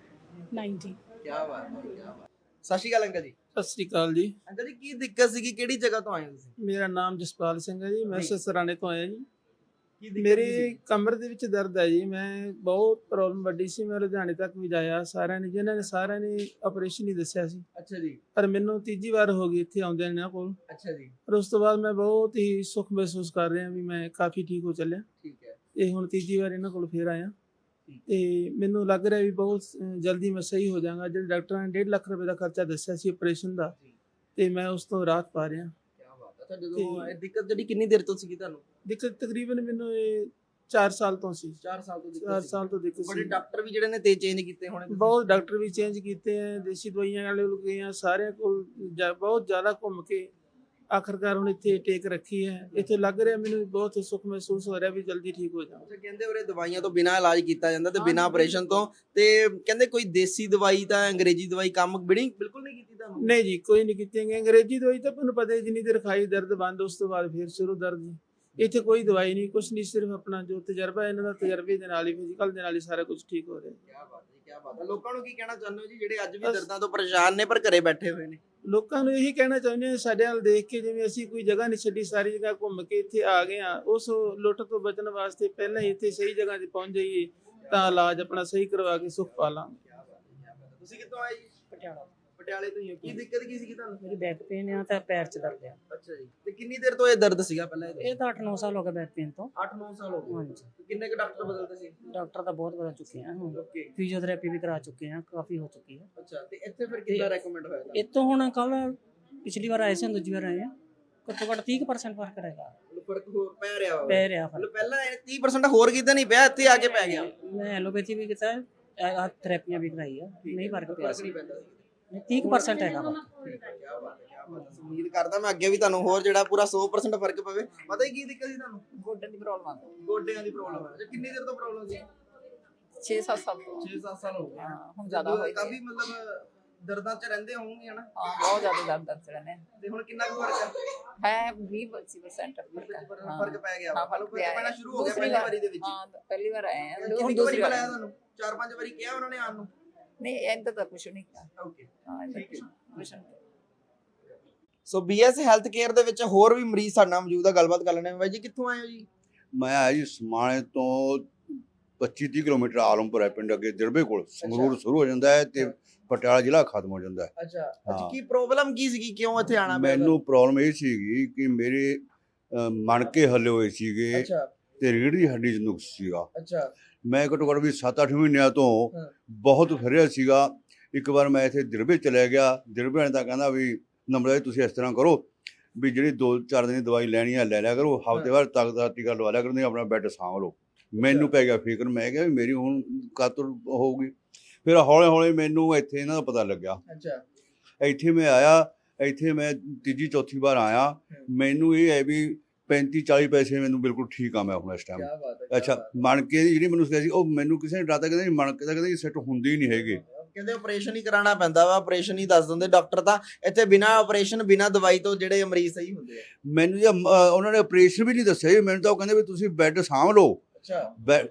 Speaker 7: ਨਾਈਨਟੀ।
Speaker 1: ਕੀ ਬਾਤ ਹੈ, ਕੀ ਬਾਤ। ਸਤਿ ਸ਼੍ਰੀ ਅਕਾਲ ਅੰਕਲ ਜੀ।
Speaker 8: ਸਤਿ ਸ੍ਰੀ ਅਕਾਲ ਜੀ।
Speaker 1: ਅੰਕਲ ਜੀ ਕੀ ਦਿੱਕਤ ਸੀਗੀ, ਕਿਹੜੀ ਜਗ੍ਹਾ ਤੋਂ ਆਏ ਹੋ ਤੁਸੀਂ?
Speaker 8: ਮੇਰਾ ਨਾਮ ਜਸਪਾਲ ਸਿੰਘ ਹੈ ਜੀ, ਮੈਂ
Speaker 1: ਜੀ।
Speaker 8: ਸਸਰਾਣੇ ਤੋਂ ਆਇਆ ਜੀ।
Speaker 1: ਕੀ ਦਿੱਕਤ
Speaker 8: ਮੇਰੇ
Speaker 1: ਸੀ?
Speaker 8: ਕਮਰ ਦੇ ਵਿੱਚ ਦਰਦ ਹੈ ਜੀ, ਮੈਂ ਬਹੁਤ ਪ੍ਰੋਬਲਮ ਵੱਡੀ ਸੀ, ਮੈਂ ਲੁਧਿਆਣੇ ਤੱਕ ਵੀ ਜਾਇਆ, ਸਾਰਿਆਂ ਨੇ ਜਿਨ੍ਹਾਂ ਨੇ ਸਾਰਿਆਂ ਨੇ ਆਪਰੇਸ਼ਨ ਹੀ ਦੱਸਿਆ ਸੀ,
Speaker 1: ਅੱਛਾ ਜੀ,
Speaker 8: ਪਰ ਮੈਨੂੰ ਤੀਜੀ ਵਾਰ ਹੋ ਗਈ ਇੱਥੇ ਆਉਂਦਿਆਂ ਇਹਨਾਂ ਕੋਲ।
Speaker 1: ਅੱਛਾ ਜੀ,
Speaker 8: ਪਰ ਉਸ ਤੋਂ ਬਾਅਦ ਮੈਂ ਬਹੁਤ ਹੀ ਸੁੱਖ ਮਹਿਸੂਸ ਕਰ ਰਿਹਾ ਵੀ ਮੈਂ ਕਾਫੀ ਠੀਕ ਹੋ ਚੱਲਿਆ,
Speaker 1: ਠੀਕ ਹੈ।
Speaker 8: ਤੇ ਹੁਣ ਤੀਜੀ ਵਾਰ ਇਹਨਾਂ ਕੋਲ ਫੇਰ ਆਇਆ
Speaker 1: ਠੀਕ।
Speaker 8: ਤੇ ਮੈਨੂੰ ਲੱਗ ਰਿਹਾ ਵੀ ਬਹੁਤ ਅ, ਜਲਦੀ ਮੈਂ ਸਹੀ ਹੋ ਜਾਵਾਂਗਾ। ਜਿਹੜੇ ਡਾਕਟਰਾਂ ਨੇ ਡੇਢ ਲੱਖ ਰੁਪਏ ਦਾ ਖਰਚਾ ਦੱਸਿਆ ਸੀ ਆਪਰੇਸ਼ਨ ਦਾ,
Speaker 1: ਜੀ।
Speaker 8: ਤੇ ਮੈਂ ਉਸ ਤੋਂ ਰਾਹਤ ਪਾ ਰਿਹਾ।
Speaker 1: ਕੀ ਬਾਤ ਹੈ। ਅੱਛਾ ਜਦੋਂ ਇਹ ਦਿੱਕਤ ਜਿਹੜੀ ਕਿੰਨੀ ਦੇਰ ਤੋਂ ਸੀਗੀ ਤੁਹਾਨੂੰ?
Speaker 8: ਦਿੱਕਤ ਤਕਰੀਬਨ ਮੈਨੂੰ ਇਹ ਚਾਰ ਸਾਲ ਤੋਂ ਸੀ,
Speaker 1: ਚਾਰ ਸਾਲ ਤੋਂ ਦਿੱਕਤ
Speaker 8: ਚਾਰ
Speaker 1: ਸੀ।
Speaker 8: ਸਾਲ ਤੋਂ ਦਿੱਕਤ
Speaker 1: ਬੜੇ
Speaker 8: ਸੀ।
Speaker 1: ਡਾਕਟਰ ਵੀ ਜਿਹੜੇ ਨੇ ਤੇ ਚੇਂਜ ਕੀਤੇ ਹੋਣੇ ਤੁਸੀਂ?
Speaker 8: ਬਹੁਤ ਡਾਕਟਰ ਵੀ ਚੇਂਜ ਕੀਤੇ ਆ, ਦੇਸੀ ਦਵਾਈਆਂ ਵਾਲੇ ਲੋਕ ਗਏ ਆ, ਸਾਰਿਆਂ ਕੋਲ ਜਾ- ਬਹੁਤ ਜ਼ਿਆਦਾ ਘੁੰਮ ਕੇ ਆਖਰਕਾਰ ਹੁਣ ਇੱਥੇ ਟੇਕ ਰੱਖੀ ਹੈ। ਇੱਥੇ ਲੱਗ ਰਿਹਾ ਮੈਨੂੰ ਵੀ ਬਹੁਤ ਸੁੱਖ ਮਹਿਸੂਸ ਹੋ ਰਿਹਾ ਵੀ ਜਲਦੀ ਠੀਕ ਹੋ ਜਾਵਾਂ।
Speaker 1: ਅੱਛਾ ਕਹਿੰਦੇ ਉਰੇ ਦਵਾਈਆਂ ਤੋਂ ਬਿਨਾਂ ਇਲਾਜ ਕੀਤਾ ਜਾਂਦਾ ਤੇ
Speaker 8: ਹਾਂ,
Speaker 1: ਬਿਨਾਂ
Speaker 8: ਬਿਲਕੁਲ।
Speaker 1: ਆਪਰੇਸ਼ਨ ਤੋਂ, ਤੇ ਕਹਿੰਦੇ ਕੋਈ ਦੇਸੀ ਦਵਾਈ ਤਾਂ ਅੰਗਰੇਜ਼ੀ ਦਵਾਈ ਕੰਮ ਬਿੜੀ ਬਿਲਕੁਲ ਨਹੀਂ ਕੀਤੀ ਤੁਹਾਨੂੰ?
Speaker 8: ਨਹੀਂ ਜੀ, ਕੋਈ ਨਹੀਂ ਕੀਤੀ ਹੈਗੀ। ਅੰਗਰੇਜ਼ੀ ਦਵਾਈ ਤਾਂ ਤੁਹਾਨੂੰ ਪਤਾ ਹੈ, ਜਿੰਨੀ ਦੇਰ ਖਾਈ ਦਰਦ ਬੰਦ, ਉਸ ਤੋਂ ਬਾਅਦ ਫਿਰ ਸ਼ੁਰੂ ਦਰਦ ਜੀ। ਇੱਥੇ ਕੋਈ ਦਵਾਈ ਨਹੀਂ, ਕੁਛ ਨਹੀਂ, ਸਿਰਫ ਆਪਣਾ ਜੋ ਤਜਰਬਾ ਹੈ ਇਹਨਾਂ ਦਾ, ਤਜਰਬੇ ਦੇ ਨਾਲ ਹੀ, ਫਿਜ਼ੀਕਲ ਦੇ ਨਾਲ ਹੀ ਸਾਰਾ ਕੁਝ ਠੀਕ ਹੋ ਰਿਹਾ।
Speaker 1: ਕੀ ਬਾਤ ਹੈ, ਕੀ ਬਾਤ ਹੈ। ਲੋਕਾਂ ਨੂੰ ਕੀ ਕਹਿਣਾ ਚਾਹੁੰਦੇ ਹੋ ਜੀ ਜਿਹੜੇ ਅੱਜ ਵੀ
Speaker 8: ਬਸ-
Speaker 1: ਦਰਦਾਂ ਤੋਂ ਪਰੇਸ਼ਾਨ ਨੇ ਪਰ ਘਰੇ ਬੈਠੇ ਹੋਏ ਨੇ?
Speaker 8: ਲੋਕਾਂ ਨੂੰ ਇਹੀ ਕਹਿਣਾ ਚਾਹੁੰਦੇ ਹਾਂ, ਸਾਡੇ ਵੱਲ ਦੇਖ ਕੇ ਜਿਵੇਂ ਅਸੀਂ ਕੋਈ ਜਗ੍ਹਾ ਨਹੀਂ ਛੱਡੀ, ਸਾਰੀ ਜਗ੍ਹਾ ਘੁੰਮ ਕੇ ਇੱਥੇ ਆ ਗਏ ਆ, ਉਸ ਲੁੱਟ ਤੋਂ ਬਚਣ ਵਾਸਤੇ ਪਹਿਲਾਂ ਹੀ ਇੱਥੇ ਸਹੀ ਜਗ੍ਹਾ ਤੇ ਪਹੁੰਚ ਜਾਈਏ ਤਾਂ ਇਲਾਜ ਆਪਣਾ ਸਹੀ ਕਰਵਾ ਕੇ ਸੁੱਖ ਪਾ ਲਾਂਗੇ।
Speaker 1: ਤੁਸੀਂ ਕਿੱਥੋਂ ਆਏ ਜੀ?
Speaker 9: ਪਟਿਆਲਾ।
Speaker 1: ਪਟਿਆਲੇ ਤੋਂ ਹੀ ਹੋ। ਕੀ ਦਿੱਕਤ ਕੀ ਸੀਗੀ ਤੁਹਾਨੂੰ?
Speaker 9: ਮੇਰੀ ਬੈਕ ਪੇਨ ਆ ਤਾਂ ਪੈਰ 'ਚ ਦਰਦ ਆ।
Speaker 1: ਅੱਛਾ ਜੀ, ਤੇ ਕਿੰਨੀ ਦੇਰ ਤੋਂ ਇਹ ਦਰਦ ਸੀਗਾ ਪਹਿਲਾਂ?
Speaker 9: ਇਹ ਤਾਂ ਅੱਠ ਨੌ ਸਾਲ ਹੋ ਗਏ ਬੈਕ ਪੇਨ ਤੋਂ।
Speaker 1: ਅੱਠ ਨੌ ਸਾਲ ਹੋ ਗਏ।
Speaker 9: ਹਾਂਜੀ।
Speaker 1: ਕਿੰਨੇ ਕੁ ਡਾਕਟਰ ਬਦਲਦੇ ਸੀ?
Speaker 9: ਡਾਕਟਰ ਤਾਂ ਬਹੁਤ ਬਦਲ ਚੁੱਕੇ ਆ ਹੁਣ,
Speaker 1: ਓਕੇ।
Speaker 9: ਫਿਜ਼ੀਓਥੈਰੇਪੀ ਵੀ ਕਰਾ ਚੁੱਕੇ ਆ, ਕਾਫੀ ਹੋ ਚੁੱਕੀ ਹੈ।
Speaker 1: ਅੱਛਾ, ਤੇ ਇੱਥੇ ਫਿਰ ਕਿੰਨਾ ਰეკਮੈਂਡ ਹੋਇਆ ਤੁਹਾਨੂੰ?
Speaker 9: ਇਤੋਂ ਹੁਣ ਕੱਲ ਪਿਛਲੀ ਵਾਰ ਆਏ ਸੀ, ਦੂਜੀ ਵਾਰ ਆਏ ਆ, ਘੱਟੋ ਘੱਟ ਤੀਹ ਪਰਸੈਂਟ ਫਰਕ ਰਹੇਗਾ,
Speaker 1: ਮਤਲਬ ਫਰਕ ਹੋ ਪੈ ਰਿਹਾ ਹੋਵੇ?
Speaker 9: ਪੈ ਰਿਹਾ
Speaker 1: ਮਤਲਬ
Speaker 9: ਫਰਕ।
Speaker 1: ਪਹਿਲਾਂ ਇਹ ਤੀਹ ਪਰਸੈਂਟ ਹੋਰ ਕੀਤਾ ਨਹੀਂ ਪਿਆ, ਇੱਥੇ ਆ ਕੇ ਪੈ ਗਿਆ?
Speaker 9: ਮੈਂ ਐਲੋਪੈਥੀ ਵੀ ਕੀਤਾ, ਆ ਥੈਰੇਪੀਆਂ ਵੀ ਕਰਾਈ ਆ, ਨਹੀਂ ਫਰਕ ਪਿਆ ਸੀ।
Speaker 1: ਨਹੀਂ ਪੈਂਦਾ ਸੀ।
Speaker 9: ਤੀਹ ਪਰਸੈਂਟ ਹੈਗਾ ਫਰਕ।
Speaker 1: ਕੀ ਬਾਤ ਹੈ, ਕੀ ਬਾਤ ਹੈ। ਉਮੀਦ ਕਰਦਾ ਮੈਂ ਅੱਗੇ ਵੀ ਤੁਹਾਨੂੰ ਹੋਰ ਜਿਹੜਾ ਪੂਰਾ ਸੌ ਪਰਸੈਂਟ ਫਰਕ ਪਵੇ। ਪਤਾ ਹੀ ਕੀ ਦਿੱਕਤ ਸੀ ਤੁਹਾਨੂੰ?
Speaker 10: ਗੋਡਿਆਂ ਦੀ ਪ੍ਰੋਬਲਮ ਆ।
Speaker 1: ਗੋਡਿਆਂ ਦੀ ਪ੍ਰੋਬਲਮ ਹੈ। ਅੱਛਾ, ਕਿੰਨੀ ਦੇਰ ਤੋਂ ਪ੍ਰੋਬਲਮ ਸੀ?
Speaker 10: ਛੇ ਸੱਤ ਸਾਲ ਤੋਂ।
Speaker 1: ਛੇ ਸੱਤ ਸਾਲ ਹੋ ਗਏ।
Speaker 10: ਹਾਂ, ਹੁਣ ਜ਼ਿਆਦਾ ਹੋਈ
Speaker 1: ਕਾਫੀ ਮਤਲਬ ਦਰਦਾਂ ਚ ਰਹਿੰਦੇ ਹੋਣਗੇ ਹਨਾ?
Speaker 10: ਹਾਂ, ਬਹੁਤ ਜ਼ਿਆਦਾ ਦਰਦ ਦਰਦ ਰਹਿੰਦੇ ਆ।
Speaker 1: ਤੇ ਹੁਣ ਕਿੰਨਾ ਕੁ ਫਰਕ ਹੈ?
Speaker 10: ਹੈ ਵੀਹ ਪੱਚੀ percent ਫਰਕ ਹੈ। ਹਾਂ,
Speaker 1: ਫਰਕ ਪੈ ਗਿਆ।
Speaker 10: ਹਾਂ,
Speaker 1: ਮਤਲਬ
Speaker 10: ਫਰਕ
Speaker 1: ਫਰਕ
Speaker 10: ਪਿਆ
Speaker 1: ਪੈਣਾ
Speaker 10: ਹੈ।
Speaker 1: ਸ਼ੁਰੂ ਹੋ ਗਿਆ
Speaker 10: ਦੂਸਰੀ
Speaker 1: ਪਹਿਲੀ
Speaker 10: ਵਾਰ-
Speaker 1: ਵਾਰੀ ਦੇ ਵਿੱਚ?
Speaker 10: ਹਾਂ, ਪਹਿਲੀ ਵਾਰ ਆਏ ਆ,
Speaker 1: ਕਿੰਨੀ
Speaker 10: ਹੁਣ
Speaker 1: ਕੁ
Speaker 10: ਦੂਸਰੀ
Speaker 1: ਵਾਰੀ
Speaker 10: ਵਾਰ
Speaker 1: ਬੁਲਾਇਆ
Speaker 10: ਆਏ।
Speaker 1: ਤੁਹਾਨੂੰ? ਚਾਰ ਪੰਜ ਵਾਰੀ ਕਿਹਾ ਉਹਨਾਂ ਨੇ ਆਉਣ ਨੂੰ?
Speaker 10: ਨਹੀਂ, ਇੰਦਾ ਤਾਂ ਕੁਛ ਨਹੀਂ ਕਿਹਾ।
Speaker 1: ਓਕੇ,
Speaker 10: ਹਾਂ, ਇੰਦਾ
Speaker 1: ਠੀਕ ਹੈ।
Speaker 10: ਕੁਛ ਨਹੀਂ।
Speaker 1: ਸੋ ਬੀਐਸ ਹੈਲਥ ਕੇਅਰ ਦੇ ਵਿੱਚ ਹੋਰ ਵੀ ਮਰੀਜ਼ ਸਾਡੇ ਨਾਲ ਮੌਜੂਦ ਆ, ਗੱਲਬਾਤ ਕਰ ਲੈਣੇ। ਬਾਈ ਜੀ ਕਿੱਥੋਂ ਆਏ ਹੋ ਜੀ?
Speaker 11: ਮੈਂ ਆਇਆ ਜੀ ਸਮਾਣੇ ਤੋਂ ਪੱਚੀ ਤੀਹ ਕਿਲੋਮੀਟਰ ਆਲਮਪੁਰ ਹੈ ਪਿੰਡ, ਅੱਗੇ ਦਿਰਬੇ ਕੋਲ ਸੰਗਰੂਰ ਸ਼ੁਰੂ ਹੋ ਜਾਂਦਾ ਹੈ ਤੇ ਪਟਿਆਲਾ ਜ਼ਿਲ੍ਹਾ ਖਤਮ ਹੋ ਜਾਂਦਾ ਹੈ।
Speaker 1: ਅੱਛਾ ਅੱਛਾ,
Speaker 11: ਹਾਂ।
Speaker 1: ਕੀ ਪ੍ਰੋਬਲਮ ਕੀ ਸੀਗੀ, ਕਿਉਂ ਇੱਥੇ ਆਣਾ ਪਿਆ?
Speaker 11: ਮੈਨੂੰ ਪ੍ਰੋਬਲਮ ਇਹ ਸੀਗੀ ਕਿ ਮੇਰੇ ਅਹ, ਮਣਕੇ ਹੱਲੇ ਹੋਏ ਸੀਗੇ
Speaker 1: ਅੱਛਾ
Speaker 11: ਤੇ ਰੀੜ੍ਹ ਦੀ ਹੱਡੀ 'ਚ ਨੁਕਸ ਸੀਗਾ।
Speaker 1: ਅੱਛਾ
Speaker 11: ਮੈਂ ਘੱਟੋ ਘੱਟ ਵੀ ਸੱਤ ਅੱਠ ਮਹੀਨਿਆਂ ਤੋਂ
Speaker 1: ਹਾਂ।
Speaker 11: ਬਹੁਤ ਫਿਰਿਆ ਸੀਗਾ। ਇੱਕ ਵਾਰ ਮੈਂ ਇੱਥੇ ਦਿਰਬੇ ਚਲਿਆ ਗਿਆ, ਦਿਰਬੇ ਵਾਲੇ ਤਾਂ ਕਹਿੰਦਾ ਵੀ ਨੰਬਰ ਤੁਸੀਂ ਇਸ ਤਰ੍ਹਾਂ ਕਰੋ ਵੀ ਜਿਹੜੀ ਦੋ ਚਾਰ ਦਿਨ ਦੀ ਦਵਾਈ ਲੈਣੀ ਆ ਲੈ ਲਿਆ ਕਰੋ, ਹਫ਼ਤੇ ਬਾਅਦ ਤੱਕ ਦਾ ਟੀਕਾ ਲਵਾ ਲਿਆ ਕਰੋ, ਨਹੀਂ ਆਪਣਾ ਬੈੱਡ ਸਾਂਭ ਲਓ। ਮੈਨੂੰ ਪੈ ਗਿਆ ਫਿਕਰ, ਮੈਂ ਕਿਹਾ ਵੀ ਮੇਰੀ ਹੁਣ ਕਾਤਰ ਹੋਊਗੀ। ਫਿਰ ਹੌਲੇ ਹੌਲੇ ਮੈਨੂੰ ਇੱਥੇ ਇਹਨਾਂ ਦਾ ਪਤਾ ਲੱਗਿਆ।
Speaker 1: ਅੱਛਾ,
Speaker 11: ਇੱਥੇ ਮੈਂ ਆਇਆ, ਇੱਥੇ ਮੈਂ ਤੀਜੀ ਚੌਥੀ ਵਾਰ ਆਇਆ, ਮੈਨੂੰ ਇਹ ਹੈ ਵੀ ਪੈਂਤੀ ਚਾਲੀ ਪੈਸੇ ਮੈਨੂੰ ਬਿਲਕੁਲ ਠੀਕ ਆ ਮੈਂ ਹੁਣ ਇਸ ਟਾਈਮ।
Speaker 1: ਕੀ ਬਾਤ ਹੈ।
Speaker 11: ਅੱਛਾ, ਮਣਕੇ ਦੀ ਜਿਹੜੀ ਮੈਨੂੰ ਕਿਹਾ ਸੀ ਉਹ ਮੈਨੂੰ ਕਿਸੇ ਨੇ ਡਰਾਤਾ, ਕਹਿੰਦੇ ਮਣਕੇ ਦਾ ਕਹਿੰਦੇ ਸੈੱਟ ਹੁੰਦੀ ਹੀ ਨਹੀਂ ਹੈਗੇ।
Speaker 1: ਕਹਿੰਦੇ ਆਪਰੇਸ਼ਨ ਹੀ ਕਰਾਉਣਾ ਪੈਂਦਾ ਵਾ, ਆਪਰੇਸ਼ਨ ਹੀ ਦੱਸ ਦਿੰਦੇ ਡਾਕਟਰ ਤਾਂ। ਇੱਥੇ ਬਿਨਾ ਆਪਰੇਸ਼ਨ ਬਿਨਾ ਦਵਾਈ ਤੋਂ ਜਿਹੜੇ ਮਰੀਜ਼ ਸਹੀ ਹੁੰਦੇ ਆ।
Speaker 11: ਮੈਨੂੰ ਜੇ ਉਹਨਾਂ ਨੇ ਆਪਰੇਸ਼ਨ ਵੀ ਨਹੀਂ ਦੱਸਿਆ ਜੀ, ਮੈਨੂੰ ਤਾਂ ਉਹ ਕਹਿੰਦੇ ਵੀ ਤੁਸੀਂ ਬੈੱਡ ਸਾਂਭ ਲਓ,
Speaker 1: ਅੱਛਾ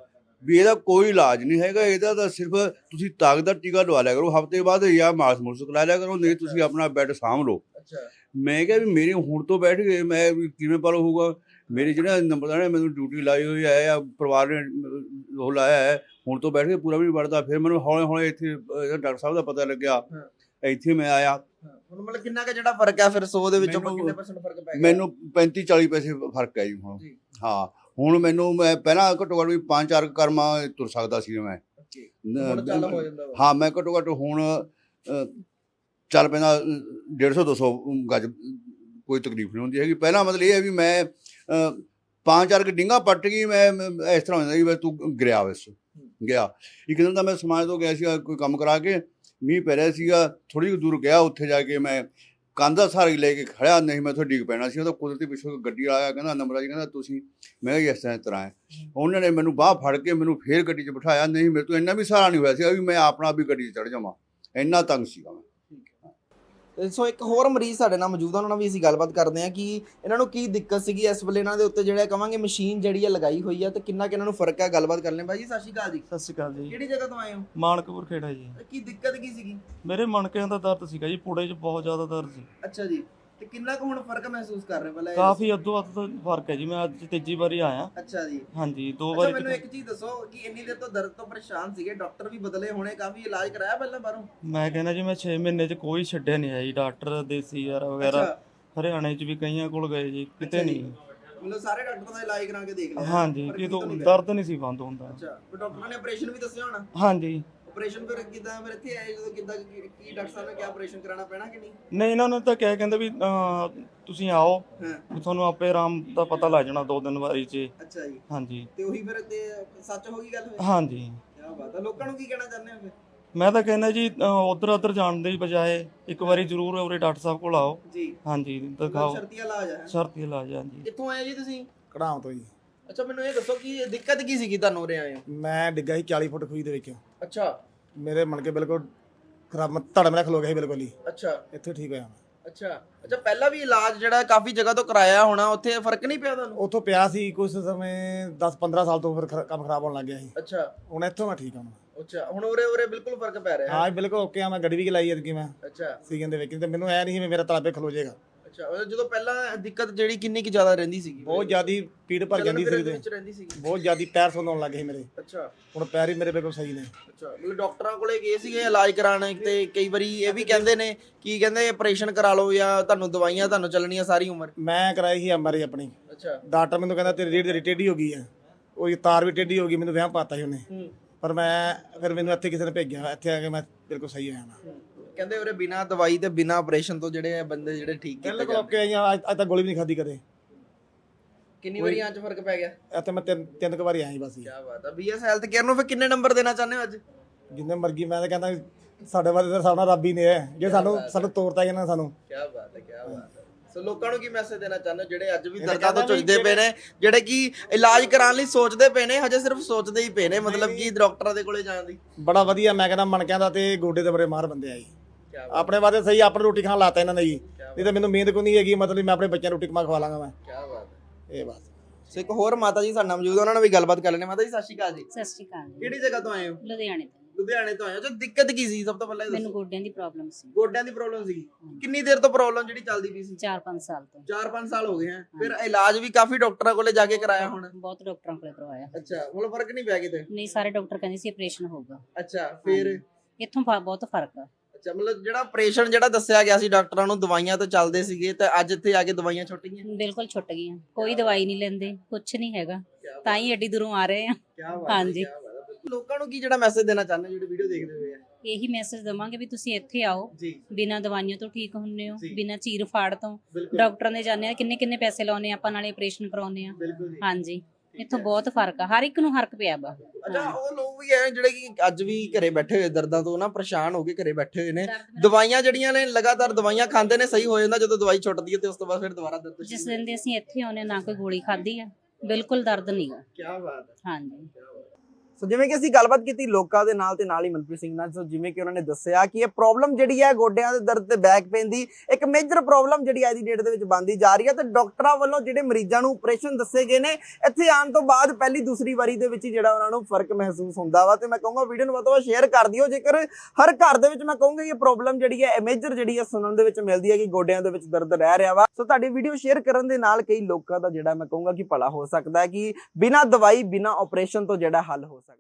Speaker 11: ਵੀ ਇਹਦਾ ਕੋਈ ਇਲਾਜ ਨਹੀਂ ਹੈਗਾ, ਇਹਦਾ ਤਾਂ ਸਿਰਫ ਤੁਸੀਂ ਤਾਕਤ ਦਾ ਟੀਕਾ ਲਵਾ ਲਿਆ ਕਰੋ, ਹਫ਼ਤੇ ਬਾਅਦ ਜਾਂ ਮਾਸ ਮੁਲਸ ਕਰਾ ਲਿਆ ਕਰੋ, ਨਹੀਂ ਤੁਸੀਂ ਆਪਣਾ ਬੈੱਡ ਸਾਂਭ ਲਓ।
Speaker 1: ਅੱਛਾ, ਮੈਂ
Speaker 11: ਮੈਂ ਕਿਹਾ ਵੀ ਮੇਰੇ ਹੁਣ ਤੋਂ ਬੈਠ ਗਏ, ਮੈਂ ਵੀ ਕਿਵੇਂ ਪਾਲੋ ਹੋਊਗਾ। ਮੇਰੇ ਜਿਹੜਾ ਨੰਬਰਦਾਰ ਨੇ ਮੈਨੂੰ ਡਿਊਟੀ ਲਾਈ ਹੋਈ ਹੈ ਆ, ਪਰਿਵਾਰ ਨੇ ਉਹ ਲਾਇਆ ਹੈ, ਹੁਣ ਤੋਂ ਬੈਠ ਕੇ ਪੂਰਾ ਵੀ ਨਹੀਂ ਵੜਦਾ। ਫਿਰ ਮੈਨੂੰ ਹੌਲੇ ਹੌਲੇ ਇੱਥੇ ਡਾਕਟਰ ਸਾਹਿਬ ਦਾ ਪਤਾ ਲੱਗਿਆ, ਇੱਥੇ ਮੈਂ ਆਇਆ।
Speaker 1: ਹੁਣ ਮਤਲਬ ਕਿੰਨਾ ਕੁ ਜਿਹੜਾ ਫਰਕ ਆ ਫਿਰ ਸੌ ਦੇ ਵਿੱਚੋਂ
Speaker 11: ਮੈਨੂੰ-
Speaker 1: ਕਿੰਨੇ ਪਰਸੈਂਟ ਫਰਕ ਪੈ ਗਿਆ?
Speaker 11: ਮੈਨੂੰ ਪੈਂਤੀ ਚਾਲੀ ਪੈਸੇ ਫਰਕ ਹੈ ਜੀ ਹੁਣ।
Speaker 1: ਜੀ।
Speaker 11: ਹਾਂ, ਹੁਣ ਮੈਨੂੰ ਮੈਂ ਪਹਿਲਾਂ ਘੱਟੋ ਘੱਟ ਵੀ ਪੰਜ ਚਾਰ ਕਰਮਾਂ ਤੁਰ ਸਕਦਾ ਸੀ ਮੈਂ।
Speaker 1: ਓਕੇ, ਹੁਣ ਚੱਲ ਹੋ ਜਾਂਦਾ ਵਾ।
Speaker 11: ਹਾਂ, ਮੈਂ ਘੱਟੋ ਘੱਟ ਹੁਣ ਅ, ਚੱਲ ਪੈਂਦਾ ਡੇਢ ਸੌ ਦੋ ਸੌ ਗਜ, ਕੋਈ ਤਕਲੀਫ ਨਹੀਂ ਹੁੰਦੀ ਹੈਗੀ। ਪਹਿਲਾਂ ਮਤਲਬ ਇਹ ਹੈ ਵੀ ਮੈਂ ਅ, ਪੰਜ ਚਾਰ ਡਿੰਗਾ ਪੱਟ ਗਈ, ਮੈਂ ਮੈਂ ਇਸ ਤਰ੍ਹਾਂ ਹੁੰਦਾ ਸੀ ਵੀ ਤੂੰ ਗਿਰਿਆ ਵਸ ਗਿਆ। ਇੱਕ ਦਿਨ ਤਾਂ ਮੈਂ ਸਮਾਜ ਤੋਂ ਗਿਆ ਸੀਗਾ ਕੋਈ ਕੰਮ ਕਰਾ ਕੇ, ਮੀਂਹ ਪੈ ਰਿਹਾ ਸੀਗਾ, ਥੋੜ੍ਹੀ ਜਿਹੀ ਦੂਰ ਗਿਆ, ਉੱਥੇ ਜਾ ਕੇ ਮੈਂ ਕੰਧ ਦਾ ਸਹਾਰਾ ਲੈ ਕੇ ਖੜਿਆ, ਨਹੀਂ ਮੈਂ ਉੱਥੇ ਡਿੱਗ ਪੈਣਾ ਸੀ। ਉਹ ਤਾਂ ਕੁਦਰਤੀ ਪਿੱਛੋਂ ਗੱਡੀ ਵਾਲਾ ਆਇਆ, ਕਹਿੰਦਾ ਨੰਬਰ ਜੀ, ਕਹਿੰਦਾ ਤੁਸੀਂ, ਮੈਂ ਕਿਹਾ ਇਸ ਤਰ੍ਹਾਂ ਇਸ ਤਰ੍ਹਾਂ ਹੈ। ਉਹਨਾਂ ਨੇ ਮੈਨੂੰ ਬਾਂਹ ਫੜ ਕੇ ਮੈਨੂੰ ਫੇਰ ਗੱਡੀ 'ਚ ਬਿਠਾਇਆ, ਨਹੀਂ ਮੇਰੇ ਤੋਂ ਇੰਨਾ ਵੀ ਸਹਾਰਾ ਨਹੀਂ ਹੋਇਆ ਸੀ ਵੀ ਮੈਂ ਆਪਣਾ ਵੀ ਗੱਡੀ 'ਚ ਚੜ੍ਹ ਜਾਵਾਂ, ਇੰਨਾ ਤੰਗ ਸੀਗਾ ਮੈਂ।
Speaker 1: ਤੇ ਸੋ ਇੱਕ ਹੋਰ ਮਰੀਜ਼ ਸਾਡੇ ਨਾਲ ਮੌਜੂਦ ਆ, ਉਹਨਾਂ ਨਾਲ ਵੀ ਅਸੀਂ ਗੱਲਬਾਤ ਕਰਦੇ ਹਾਂ ਕਿ ਇਹਨਾਂ ਨੂੰ ਕੀ ਦਿੱਕਤ ਸੀਗੀ ਇਸ ਵੇਲੇ ਇਹਨਾਂ ਦੇ ਉੱਤੇ ਜਿਹੜਾ ਕਵਾਂਗੇ ਮਸ਼ੀਨ ਜਿਹੜੀ ਹੈ ਲਗਾਈ ਹੋਈ ਆ ਤੇ ਕਿੰਨਾ ਕਿ ਇਹਨਾਂ ਨੂੰ ਫਰਕ ਹੈ। ਗੱਲਬਾਤ ਕਰ ਲੈਂਦੇ ਬਾਈ ਜੀ। ਸਤਿ ਸ਼੍ਰੀ ਅਕਾਲ ਜੀ।
Speaker 12: ਸਤਿ ਸ਼੍ਰੀ ਅਕਾਲ ਜੀ।
Speaker 1: ਕਿਹੜੀ ਜਗ੍ਹਾ ਤੋਂ ਆਏ ਹੋ?
Speaker 12: ਮਾਨਕਪੁਰ ਖੇੜਾ ਜੀ।
Speaker 1: ਕੀ ਦਿੱਕਤ ਕੀ ਸੀਗੀ?
Speaker 12: ਮੇਰੇ ਮਣਕਿਆਂ ਦਾ ਦਰਦ ਸੀਗਾ ਜੀ, ਪੁੜੇ 'ਚ ਬਹੁਤ ਜ਼ਿਆਦਾ ਦਰਦ ਸੀ।
Speaker 1: ਅੱਛਾ ਜੀ, ਤੇ ਕਿੰਨਾ ਕੁ ਹੁਣ ਫਰਕ ਮਹਿਸੂਸ ਕਰ ਰਹੇ ਪਹਿਲਾਂ?
Speaker 12: ਕਾਫੀ ਅੱਧੋ ਅੱਧ ਦਾ ਫਰਕ ਹੈ ਜੀ। ਮੈਂ ਅੱਜ ਤੀਜੀ ਵਾਰੀ ਆਇਆ।
Speaker 1: ਅੱਛਾ ਜੀ।
Speaker 12: ਹਾਂਜੀ, ਦੋ
Speaker 1: ਅੱਛਾ
Speaker 12: ਵਾਰੀ।
Speaker 1: ਮੈਨੂੰ ਇੱਕ ਚੀਜ਼ ਦੱਸੋ ਕਿ ਇੰਨੀ ਦੇਰ ਤੋਂ ਦਰਦ ਤੋਂ ਪਰੇਸ਼ਾਨ ਸੀਗੇ, ਡਾਕਟਰ ਵੀ ਬਦਲੇ ਹੋਣੇ, ਕਾਫੀ ਇਲਾਜ ਕਰਾਇਆ ਪਹਿਲਾਂ ਬਾਹਰੋਂ?
Speaker 12: ਮੈਂ ਕਹਿੰਦਾ ਜੀ ਮੈਂ ਛੇ ਮਹੀਨੇ 'ਚ ਕੋਈ ਛੱਡਿਆ ਨਹੀਂ ਹੈ ਜੀ। ਡਾਕਟਰ ਦੇਸੀ ਯਾਰ ਵਗੈਰਾ ਹਰਿਆਣੇ 'ਚ ਵੀ ਕਈਆਂ ਕੋਲ ਗਏ ਜੀ, ਕਿਤੇ ਨਹੀਂ।
Speaker 1: ਮਤਲਬ ਸਾਰੇ ਡਾਕਟਰਾਂ ਦਾ ਇਲਾਜ ਕਰਾ ਕੇ ਦੇਖ ਲਿਆ?
Speaker 12: ਹਾਂਜੀ, ਕਿਤੋਂ ਦਰਦ ਨਹੀਂ ਸੀ ਬੰਦ ਹੁੰਦਾ।
Speaker 1: ਅੱਛਾ, ਫਿਰ ਡਾਕਟਰਾਂ ਨੇ ਆਪਰੇਸ਼ਨ ਵੀ ਦੱਸਿਆ ਹੋਣਾ?
Speaker 12: ਹਾਂਜੀ।
Speaker 1: ਆਪਰੇਸ਼ਨ ਫਿਰ ਕਿਦਾਂ ਫਿਰ ਇੱਥੇ ਆਏ ਜਦੋਂ ਕਿਦਾਂ ਕੀ ਡਾਕਟਰ ਸਾਹਿਬ ਨੇ ਕਿਹਾ ਆਪਰੇਸ਼ਨ ਕਰਾਉਣਾ ਪੈਣਾ ਕਿ ਨਹੀਂ?
Speaker 12: ਨਹੀਂ, ਇਹਨਾਂ ਨੇ ਤਾਂ ਕਿਹਾ, ਕਹਿੰਦੇ ਵੀ ਤੁਸੀਂ ਆਓ, ਵੀ ਤੁਹਾਨੂੰ ਆਪੇ ਆਰਾਮ ਦਾ ਪਤਾ ਲੱਗ ਜਾਣਾ ਦੋ ਦਿਨ ਵਾਰੀ 'ਚ।
Speaker 1: ਅੱਛਾ ਜੀ।
Speaker 12: ਹਾਂਜੀ।
Speaker 1: ਤੇ ਉਹੀ ਫਿਰ ਤੇ ਸੱਚ ਹੋ ਗਈ ਗੱਲ?
Speaker 12: ਹਾਂਜੀ।
Speaker 1: ਕੀ ਬਾਤ ਹੈ। ਲੋਕਾਂ ਨੂੰ ਕੀ ਕਹਿਣਾ ਚਾਹੁੰਦੇ ਹੋ ਫਿਰ?
Speaker 12: ਮੈਂ ਤਾਂ ਕਹਿੰਦਾ ਜੀ ਉਧਰ ਉਧਰ ਜਾਣ ਦੀ ਬਜਾਏ ਇੱਕ ਵਾਰੀ ਜ਼ਰੂਰ ਉਰੇ ਡਾਕਟਰ ਸਾਹਿਬ ਕੋਲ ਆਓ
Speaker 1: ਜੀ।
Speaker 12: ਹਾਂਜੀ, ਦਿਖਾਓ।
Speaker 1: ਸ਼ਰਤੀ ਇਲਾਜ ਹੈ?
Speaker 12: ਸ਼ਰਤੀ ਇਲਾਜ ਹੈ ਜੀ।
Speaker 1: ਕਿੱਥੋਂ ਆਏ ਜੀ ਤੁਸੀਂ?
Speaker 13: ਕੜਾਮ ਤੋਂ ਜੀ।
Speaker 1: ਅੱਛਾ, ਮੈਨੂੰ ਇਹ ਦੱਸੋ ਕਿ ਦਿੱਕਤ ਕੀ ਸੀਗੀ ਤੁਹਾਨੂੰ ਉਰੇ ਆਏ ਹੋ?
Speaker 13: ਮੈਂ ਡਿੱਗਾ ਸੀ ਚਾਲੀ ਫੁੱਟ ਖੂਹ ਦੇ ਵਿੱਚ।
Speaker 1: ਅੱਛਾ।
Speaker 13: ਮੇਰੇ ਮਣਕੇ ਬਿਲਕੁਲ ਖਰਾਬ, ਧੜ ਮੇਰਾ ਖਲੋ ਗਿਆ ਸੀ ਬਿਲਕੁਲ ਹੀ।
Speaker 1: ਅੱਛਾ।
Speaker 13: ਇੱਥੇ ਠੀਕ ਹੋਇਆ ਮੈਂ।
Speaker 1: ਅੱਛਾ ਅੱਛਾ, ਪਹਿਲਾਂ ਵੀ ਇਲਾਜ ਜਿਹੜਾ ਕਾਫੀ ਜਗ੍ਹਾ ਤੋਂ ਕਰਾਇਆ ਹੋਣਾ, ਉੱਥੇ ਫਰਕ ਨਹੀਂ ਪਿਆ ਤੁਹਾਨੂੰ?
Speaker 13: ਉੱਥੋਂ ਪਿਆ ਸੀ ਕੁਝ ਸਮੇਂ, ਦਸ ਪੰਦਰਾਂ ਸਾਲ ਤੋਂ ਫਿਰ ਕੰਮ ਖਰਾਬ ਹੋਣ ਲੱਗ ਗਿਆ ਸੀ।
Speaker 1: ਅੱਛਾ।
Speaker 13: ਹੁਣ ਇੱਥੋਂ ਮੈਂ ਠੀਕ ਹਾਂ।
Speaker 1: ਅੱਛਾ, ਹੁਣ ਉਰੇ ਉਰੇ ਬਿਲਕੁਲ ਫਰਕ ਪੈ ਰਿਹਾ?
Speaker 13: ਹਾਂ ਬਿਲਕੁਲ ਓਕੇ ਆ। ਮੈਂ ਗੱਡੀ ਵੀ ਚਲਾਈ ਐਤਕੀ ਮੈਂ।
Speaker 1: ਅੱਛਾ।
Speaker 13: ਸੀਜ਼ਨ ਦੇ ਵਿੱਚ ਤੇ ਮੈਨੂੰ ਐ ਨਹੀਂ ਸੀ ਮੇਰਾ ਤਲਾਬੇ ਖਲੋ ਜਾਏਗਾ।
Speaker 1: ਅੱਛਾ, ਜਦੋਂ ਪਹਿਲਾਂ ਦਿੱਕਤ ਜਿਹੜੀ ਕਿੰਨੀ ਕਿ ਜ਼ਿਆਦਾ ਰਹਿੰਦੀ ਸੀਗੀ?
Speaker 13: ਬਹੁਤ ਜ਼ਿਆਦੀ ਪੀੜ ਭਰ ਜਾਂਦੀ ਸੀ ਤੇ ਬਹੁਤ ਜ਼ਿਆਦੀ ਪੈਰ ਸੁੰਨਣ ਲੱਗ ਗਏ ਮੇਰੇ।
Speaker 1: ਅੱਛਾ।
Speaker 13: ਹੁਣ ਪੈਰ ਹੀ ਮੇਰੇ ਬਿਲਕੁਲ ਸਹੀ ਨੇ।
Speaker 1: ਅੱਛਾ, ਮਤਲਬ ਡਾਕਟਰਾਂ ਕੋਲੇ ਗਏ ਸੀਗੇ ਇਲਾਜ ਕਰਾਉਣ ਤੇ ਕਈ ਵਾਰੀ ਇਹ ਵੀ ਕਹਿੰਦੇ ਨੇ ਕੀ ਕਹਿੰਦੇ ਆਪਰੇਸ਼ਨ ਕਰਾ ਲਓ ਜਾਂ ਤੁਹਾਨੂੰ ਦਵਾਈਆਂ ਤੁਹਾਨੂੰ ਚੱਲਣੀਆਂ ਸਾਰੀ ਉਮਰ?
Speaker 13: ਮੈਂ ਕਰਾਈ ਸੀ ਐਮ ਆਰ ਆਈ ਆਪਣੀ।
Speaker 1: ਅੱਛਾ।
Speaker 13: ਡਾਕਟਰ ਮੈਨੂੰ ਕਹਿੰਦਾ ਤੇਰੀ ਰੀੜ ਦੀ ਟੇਢੀ ਹੋ ਗਈ ਹੈ, ਉਹ ਤਾਰ ਵੀ ਟੇਢੀ ਹੋ ਗਈ। ਮੈਨੂੰ ਵਹਿਮ ਪਾਤਾ ਸੀ ਉਹਨੇ, ਪਰ ਮੈਂ ਫਿਰ ਮੈਨੂੰ ਇੱਥੇ ਕਿਸੇ ਨੇ ਭੇਜਿਆ, ਇੱਥੇ ਆ ਕੇ ਮੈਂ ਬਿਲਕੁਲ ਸਹੀ ਹੋਇਆ ਮੈਂ।
Speaker 1: ਕਹਿੰਦੇ ਉਰੇ ਬਿਨਾਂ ਦਵਾਈ ਤੇ ਬਿਨਾਂ ਆਪਰੇਸ਼ਨ ਤੋਂ ਜਿਹੜੇ ਬੰਦੇ ਜਿਹੜੇ ਠੀਕ ਕੀਤੇ
Speaker 13: ਬਿਲਕੁਲ ਓਕੇ ਆਈਆਂ। ਅੱਜ ਤੱਕ ਗੋਲੀ ਵੀ ਨਹੀਂ ਖਾਧੀ ਕਦੇ।
Speaker 1: ਕਿੰਨੀ ਵਾਰੀ ਆਂ ਚ ਫਰਕ ਪੈ ਗਿਆ?
Speaker 13: ਇੱਥੇ ਮੈਂ ਤਿੰਨ ਤਿੰਨ ਕੁ ਵਾਰੀ ਆਈ ਬਸ।
Speaker 1: ਕੀ ਬਾਤ ਹੈ। ਬੀਐਸ ਹੈਲਥ ਕੇਅਰ ਨੂੰ ਫਿਰ ਕਿੰਨੇ ਨੰਬਰ ਦੇਣਾ ਚਾਹੁੰਦੇ ਹੋ ਅੱਜ?
Speaker 13: ਜਿੰਨੇ ਮਰਜ਼ੀ। ਮੈਂ ਤਾਂ ਕਹਿੰਦਾ ਸਾਡੇ ਵਾਲੇ ਤਾਂ ਸਾਡਾ ਰੱਬ ਹੀ ਨੇ ਹੈ, ਜੇ ਸਾਨੂੰ ਸਾਨੂੰ ਤੋਰਤਾ ਇਹਨਾਂ ਸਾਨੂੰ।
Speaker 1: ਕੀ ਬਾਤ ਹੈ, ਕੀ ਬਾਤ ਹੈ। ਸੋ ਲੋਕਾਂ ਨੂੰ ਕੀ ਮੈਸੇਜ ਦੇਣਾ ਚਾਹੁੰਦੇ ਹੋ ਜਿਹੜੇ ਅੱਜ ਵੀ ਦਰਦਾਂ ਤੋਂ ਚੁੱਜਦੇ ਪਏ ਨੇ, ਜਿਹੜੇ ਕਿ ਇਲਾਜ ਕਰਾਉਣ ਲਈ ਸੋਚਦੇ ਪਏ ਨੇ, ਹਜੇ ਸਿਰਫ ਸੋਚਦੇ ਹੀ ਪਏ ਨੇ, ਮਤਲਬ ਕਿ ਡਾਕਟਰਾਂ ਦੇ ਕੋਲੇ ਜਾਣ ਦੀ?
Speaker 13: ਬੜਾ ਵਧੀਆ। ਮੈਂ ਕਹਿੰਦਾ ਮਣਕਿਆਂ ਦਾ ਤੇ ਗੋਡੇ ਦੇ ਬੜੇ ਮਾਰ ਬੰਦੇ ਆ ਜੀ। ਆਪਣੇ ਵਾਸਤੇ ਸਹੀ, ਆਪਣੀ ਰੋਟੀ ਖਾਣ ਲਾਤਾ ਇਹਨਾਂ ਨੇ ਜੀ। ਨਹੀਂ ਤਾਂ ਮੈਨੂੰ ਮਿਹਨਤ ਕੋਈ ਨਹੀਂ ਹੈਗੀ, ਮਤਲਬ ਮੈਂ ਆਪਣੇ ਬੱਚਿਆਂ ਨੂੰ ਰੋਟੀ ਕਮਾ ਖਵਾ ਲਾਂਗਾ ਮੈਂ।
Speaker 1: ਕੀ ਬਾਤ ਹੈ।
Speaker 13: ਇਹ ਬਾਤ।
Speaker 1: ਸੋ ਇੱਕ ਹੋਰ ਮਾਤਾ ਜੀ ਸਾਡੇ ਨਾਲ ਮੌਜੂਦ, ਉਹਨਾਂ ਨਾਲ ਵੀ ਗੱਲਬਾਤ ਕਰ ਲੈਣੇ। ਮਾਤਾ ਜੀ ਸਤਿ ਸ਼੍ਰੀ ਅਕਾਲ ਜੀ।
Speaker 14: ਸਤਿ ਸ਼੍ਰੀ ਅਕਾਲ ਜੀ।
Speaker 1: ਕਿਹੜੀ ਜਗ੍ਹਾ ਤੋਂ ਆਏ ਹੋ?
Speaker 14: ਲੁਧਿਆਣੇ ਤੋਂ।
Speaker 1: ਲੁਧਿਆਣੇ ਤੋਂ ਆਏ ਹੋ। ਜੋ ਦਿੱਕਤ ਕੀ ਸੀ ਸਭ ਤੋਂ ਪਹਿਲਾਂ ਇਹ ਦੱਸੋ?
Speaker 14: ਮੈਨੂੰ ਗੋਡਿਆਂ ਦੀ ਪ੍ਰੋਬਲਮ ਸੀ।
Speaker 1: ਗੋਡਿਆਂ ਦੀ ਪ੍ਰੋਬਲਮ ਸੀ? ਕਿੰਨੀ ਦੇਰ ਤੋਂ ਪ੍ਰੋਬਲਮ ਜਿਹੜੀ ਚੱਲਦੀ ਪਈ ਸੀ?
Speaker 14: ਚਾਰ ਪੰਜ ਸਾਲ ਤੋਂ।
Speaker 1: ਚਾਰ ਪੰਜ ਸਾਲ ਹੋ ਗਏ ਹੈ। ਫਿਰ ਇਲਾਜ ਵੀ ਕਾਫੀ ਡਾਕਟਰਾਂ ਕੋਲੇ ਜਾ ਕੇ ਕਰਾਇਆ ਹੋਣਾ?
Speaker 14: ਬਹੁਤ ਡਾਕਟਰਾਂ ਕੋਲੇ ਕਰਵਾਇਆ।
Speaker 1: ਅੱਛਾ, ਹੁਣ ਫਰਕ ਨਹੀਂ ਪਿਆ ਕਿਤੇ?
Speaker 14: ਨਹੀਂ, ਸਾਰੇ ਡਾਕਟਰ ਕਹਿੰਦੇ ਸੀ ਆਪਰੇਸ਼ਨ ਹੋਊਗਾ।
Speaker 1: ਅੱਛਾ, ਫਿਰ
Speaker 14: ਇੱਥੋਂ ਬਹੁਤ ਫਰਕ ਆ।
Speaker 1: ਅੱਛਾ, ਮਤਲਬ ਜਿਹੜਾ ਆਪਰੇਸ਼ਨ ਜਿਹੜਾ ਦੱਸਿਆ ਗਿਆ ਸੀ ਡਾਕਟਰਾਂ ਨੂੰ, ਦਵਾਈਆਂ ਤਾਂ ਚੱਲਦੇ ਸੀਗੇ, ਤੇ ਅੱਜ ਇੱਥੇ ਆ ਕੇ ਦਵਾਈਆਂ ਛੁੱਟ ਗਈਆਂ?
Speaker 14: ਬਿਲਕੁਲ ਛੁੱਟ ਗਈਆਂ। ਕੋਈ ਦਵਾਈ ਨਹੀਂ ਲੈਂਦੇ, ਕੁਝ ਨਹੀਂ ਹੈਗਾ, ਤਾਂ ਹੀ ਐਡੀ ਦੂਰੋਂ ਆ ਰਹੇ ਆ। ਹਾਂਜੀ।
Speaker 1: ਲੋਕਾਂ ਨੂੰ ਕੀ ਜਿਹੜਾ ਮੈਸੇਜ ਦੇਣਾ ਚਾਹੁੰਦੇ ਜਿਹੜੇ ਵੀਡੀਓ ਦੇਖਦੇ ਹੋਏ ਆ?
Speaker 14: ਇਹੀ ਮੈਸੇਜ ਦਵਾਂਗੇ ਵੀ ਤੁਸੀਂ ਇੱਥੇ ਆਓ, ਬਿਨਾਂ ਦਵਾਈਆਂ ਤੋਂ ਠੀਕ ਹੁੰਨੇ ਹੋ, ਬਿਨਾਂ ਚੀਰ ਫਾੜ ਤੋਂ। ਡਾਕਟਰਾਂ ਦੇ ਜਾਂਦੇ ਆ, ਕਿੰਨੇ ਕਿੰਨੇ ਪੈਸੇ ਲਾਉਨੇ ਆਪਾਂ, ਨਾਲੇ ਆਪਰੇਸ਼ਨ ਕਰਾਉਨੇ ਆ। ਹਾਂਜੀ, ਇੱਥੋਂ ਬਹੁਤ ਫਰਕ ਆ, ਹਰ ਇੱਕ ਨੂੰ ਫਰਕ ਪਿਆ ਵਾ।
Speaker 1: ਅੱਛਾ, ਉਹ ਲੋਕ ਵੀ ਐ ਜਿਹੜੇ ਕਿ ਅੱਜ ਵੀ ਘਰੇ ਬੈਠੇ ਹੋਏ ਦਰਦਾਂ ਤੋਂ ਨਾ ਪਰੇਸ਼ਾਨ ਹੋ ਕੇ ਘਰੇ ਬੈਠੇ ਹੋਏ ਨੇ, ਦਵਾਈਆਂ ਜਿਹੜੀਆਂ ਨੇ ਲਗਾਤਾਰ ਦਵਾਈਆਂ ਖਾਂਦੇ ਨੇ, ਸਹੀ ਹੋ ਜਾਂਦਾ, ਜਦੋਂ ਦਵਾਈ ਛੁੱਟਦੀ ਹੈ ਤੇ ਉਸ ਤੋਂ ਬਾਅਦ ਫਿਰ ਦੁਬਾਰਾ ਦਰਦ।
Speaker 14: ਜਿਸ ਦਿਨ ਦੇ ਅਸੀਂ ਇੱਥੇ ਆਉਨੇ, ਨਾ ਕੋਈ ਗੋਲੀ ਖਾਧੀ ਆ, ਬਿਲਕੁਲ ਦਰਦ ਨਹੀਂਗਾ।
Speaker 1: ਕੀ ਬਾਤ ਹੈ।
Speaker 14: ਹਾਂਜੀ।
Speaker 1: ਸੋ ਜਿਵੇਂ ਕਿ ਅਸੀਂ ਗੱਲਬਾਤ ਕੀਤੀ ਲੋਕਾਂ ਦੇ ਨਾਲ ਤੇ ਨਾਲ ਹੀ ਮਨਪ੍ਰੀਤ ਸਿੰਘ ਨਾਲ, ਸੋ ਜਿਵੇਂ ਕਿ ਉਹਨਾਂ ਨੇ ਦੱਸਿਆ ਕਿ ਇਹ ਪ੍ਰੋਬਲਮ ਜਿਹੜੀ ਹੈ ਗੋਡਿਆਂ ਦੇ ਦਰਦ ਤੇ ਬੈਕ ਪੇਨ ਦੀ ਇੱਕ ਮੇਜਰ ਪ੍ਰੋਬਲਮ ਜਿਹੜੀ ਅੱਜ ਦੀ ਡੇਟ ਦੇ ਵਿੱਚ ਬਣਦੀ ਜਾ ਰਹੀ ਹੈ, ਤੇ ਡਾਕਟਰਾਂ ਵੱਲੋਂ ਜਿਹੜੇ ਮਰੀਜ਼ਾਂ ਨੂੰ ਆਪਰੇਸ਼ਨ ਦੱਸੇ ਗਏ ਨੇ, ਇੱਥੇ ਆਉਣ ਤੋਂ ਬਾਅਦ ਪਹਿਲੀ ਦੂਸਰੀ ਵਾਰੀ ਦੇ ਵਿੱਚ ਹੀ ਜਿਹੜਾ ਉਹਨਾਂ ਨੂੰ ਫਰਕ ਮਹਿਸੂਸ ਹੁੰਦਾ ਵਾ। ਤੇ ਮੈਂ ਕਹੂੰਗਾ ਵੀਡੀਓ ਨੂੰ ਵੱਧ ਤੋਂ ਵੱਧ ਸ਼ੇਅਰ ਕਰ ਦਿਓ, ਜੇਕਰ ਹਰ ਘਰ ਦੇ ਵਿੱਚ ਮੈਂ ਕਹੂੰਗਾ ਇਹ ਪ੍ਰੋਬਲਮ ਜਿਹੜੀ ਹੈ ਮੇਜਰ ਜਿਹੜੀ ਹੈ ਸੁਣਨ ਦੇ ਵਿੱਚ ਮਿਲਦੀ ਹੈ ਕਿ ਗੋਡਿਆਂ ਦੇ ਵਿੱਚ ਦਰਦ ਰਹਿ ਰਿਹਾ ਵਾ। ਸੋ ਤੁਹਾਡੀ ਵੀਡੀਓ ਸ਼ੇਅਰ ਕਰਨ ਦੇ ਨਾਲ ਕਈ ਲੋਕਾਂ ਦਾ ਜਿਹੜਾ ਮੈਂ ਕਹੂੰਗਾ ਕਿ ਭਲਾ ਹੋ ਸਕਦਾ ਹੈ, ਕਿ ਬਿਨਾਂ ਦਵਾਈ ਬਿਨਾਂ ਆਪਰੇਸ਼ਨ ਤੋਂ ਜਿਹੜਾ ਹੱਲ ਹੋ ਸਕਦਾ।